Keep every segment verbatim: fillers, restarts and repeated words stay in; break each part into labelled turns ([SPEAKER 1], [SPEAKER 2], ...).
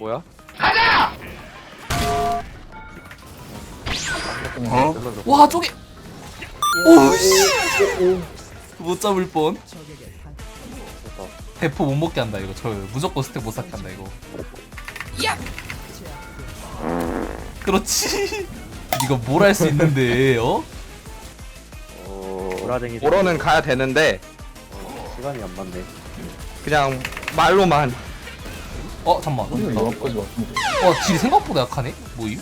[SPEAKER 1] 뭐야?
[SPEAKER 2] 어? 와 저기 오씨 못 잡을 뻔. 대포 못 먹게 한다 이거. 저 무조건 스택 못 쌓게 한다 이거. 야! 그렇지. 이거 뭘 할 수 있는데 어?
[SPEAKER 1] 보라쟁이
[SPEAKER 3] 보러는 가야 되는데
[SPEAKER 1] 시간이 안 맞네.
[SPEAKER 3] 그냥 말로만.
[SPEAKER 2] 어 잠만.
[SPEAKER 4] 이거 여기까지 왔는데.
[SPEAKER 2] 어 딜이 생각보다 약하네. 뭐임?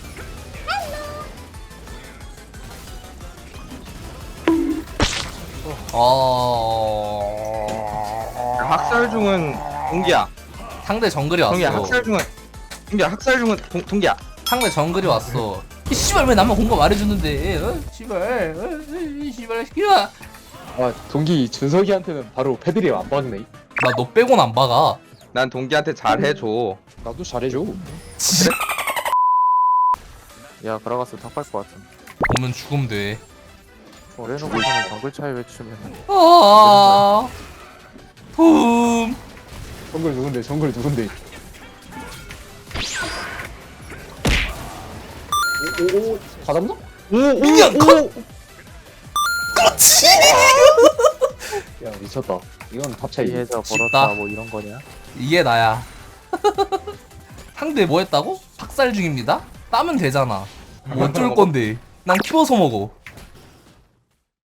[SPEAKER 2] 어...
[SPEAKER 3] 학살 중은 동기야.
[SPEAKER 2] 상대 정글이 왔어.
[SPEAKER 3] 동기야 학살 중은 동기야 학살 중은 동, 동기야.
[SPEAKER 2] 상대 정글이 왔어. 이 씨발 왜 나만 공감 말해주는데? 어? 씨발, 어? 이 씨발 시키라.
[SPEAKER 4] 아 동기 준석이한테는 바로 패드립 안 박네.
[SPEAKER 2] 나 너 빼곤 안 박아.
[SPEAKER 3] 난 동기한테 잘해줘.
[SPEAKER 4] 나도 잘해줘.
[SPEAKER 1] 야 그라가스 탁발 것 같은.
[SPEAKER 2] 오면 죽음 돼.
[SPEAKER 1] 어레노고서는 정글 차이 외치면
[SPEAKER 2] 아, 붐.
[SPEAKER 4] 정글 누군데? 정글 누군데? 오오오 다 잡나?
[SPEAKER 2] 미니언 컷. 그렇지.
[SPEAKER 4] 야 미쳤다. 이건 탑 차이.
[SPEAKER 1] 이해서
[SPEAKER 2] 쉽다.
[SPEAKER 1] 벌었다 뭐 이런 거냐?
[SPEAKER 2] 이게 나야. 상대 뭐 했다고? 박살 중입니다. 따면 되잖아. 뭐 어쩔 건데? 난 키워서 먹어.